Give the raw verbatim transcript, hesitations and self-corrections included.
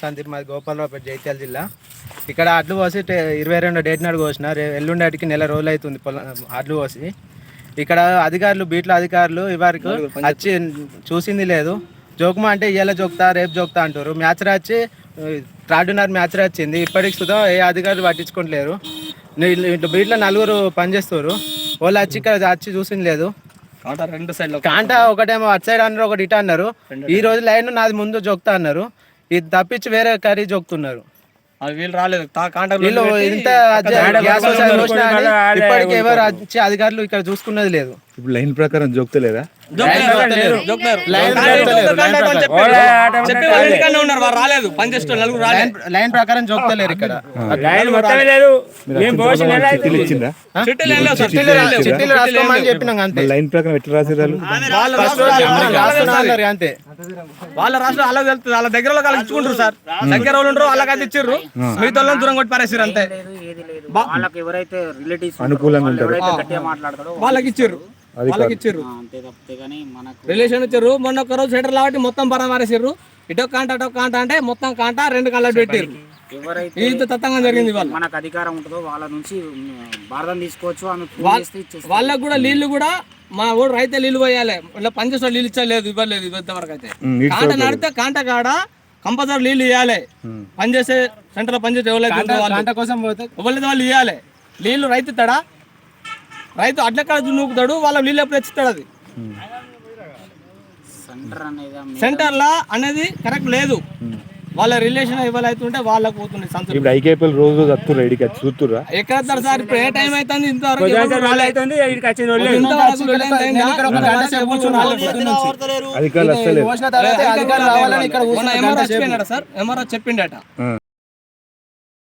సందీప్, మాది గోపాలరావుపేట, జైత్యాల జిల్లా. ఇక్కడ అడ్లు పోసి ఇరవై రెండు డేట్ నాడు కోసిన, ఎల్లుండికి నెల రోజులు అవుతుంది పొలం అడ్లు పోసి. ఇక్కడ అధికారులు, బీట్ల అధికారులు ఇవరకు వచ్చి చూసింది లేదు. జోకుమా అంటే ఇవాళ జోక్తా, రేపు జోక్తా అంటారు. మ్యాచ్ రాచి త్రాడున్నర మ్యాచ్ వచ్చింది, ఇప్పటికి సుధా ఏ అధికారులు పట్టించుకోవట్లేరు. బీట్లో నలుగురు పనిచేస్తారు, వాళ్ళు వచ్చి ఇక్కడ వచ్చి చూసింది లేదు. రెండు సైడ్ కాంటా ఒకటేమో అటు సైడ్ అన్నారు, ఒకటి ఇటు అన్నారు. ఈ రోజు లైన్ నాది ముందు జోక్తా అన్నారు, ఇది తప్పించి వేరే కర్రీ జోక్తున్నారు. వీళ్ళు రాలేదు, వీళ్ళు ఇంత ఇప్పటికి ఎవరు వచ్చి అధికారులు ఇక్కడ చూసుకున్నది లేదు. ఇప్పుడు లైన్ ప్రకారం జోక్తలేదా? లైన్ ప్రకారం జోక్తలేరు ఇక్కడ. చిట్టీలు రాసుకోమని చెప్పినాం అంతే. లైన్ ప్రకారం ఎట్లా రాసేదారు? అంతే. వాళ్ళ రాష్ట్రం అలా వెళ్తుంది, వాళ్ళ దగ్గర వాళ్ళకి ఇచ్చుకుంటారు సార్. దగ్గర వాళ్ళు ఉంటారు, వాళ్ళకి అది ఇచ్చారు, మిగతా వాళ్ళని దూరం కొట్టి పారేసారు అంతే. అనుకూలంగా ఉంటారు, వాళ్ళకి ఇచ్చారు, వాళ్ళకి ఇచ్చారు రిలేషన్ ఇచ్చారు. మొన్న ఒక రోజు సెటర్ కాబట్టి మొత్తం పరామరేసారు. ఇటో కాంట అటో కాంట అంటే మొత్తం కాంట రెండు కళ్ళ పెట్టారు. ఇంత తత్తంగా జరిగింది. వాళ్ళు మనకు అధికారం ఉంటుందో వాళ్ళ నుంచి భారతం తీసుకోవచ్చు. వాళ్ళకు కూడా నీళ్లు కూడా మా ఊరు రైతే నీళ్లు పోయాలి, ఇలా పనిచేసే నీళ్ళు ఇచ్చలేదు, ఇవ్వలేదు ఇంతవరకు అయితే. కాంట నడితే కాంట కాడ కంపల్సరీ నీళ్ళు ఇవ్వాలి. పనిచేసే సెంటర్ లో పనిచేసే ఎవరైతే ఎవరైతే వాళ్ళు ఇవ్వాలి. నీళ్లు రైతు ఇస్తాడా? రైతు అడ్లకాడ నూపుతాడు, వాళ్ళ నీళ్ళు ఎప్పుడు తెచ్చిస్తాడు. అది సెంటర్ లా అనేది కరెక్ట్ లేదు. వాళ్ళ రిలేషన్ ఇవ్వాలవుతుంటే వాళ్ళకి పోతుంది సంతృప్తి. ఇప్పుడు ఐకేపీఎల్ రోజు వస్తుర్రు, ఇడికి వచ్చి చూస్తుర్రా? ఎక్కడ సార్ ఇప్పుడు ఏ టైం అవుతుంది? ఇంతవరకు అధికారులు వస్తలేదు. సార్ ఎంఆర్ఓ చెప్పిండట.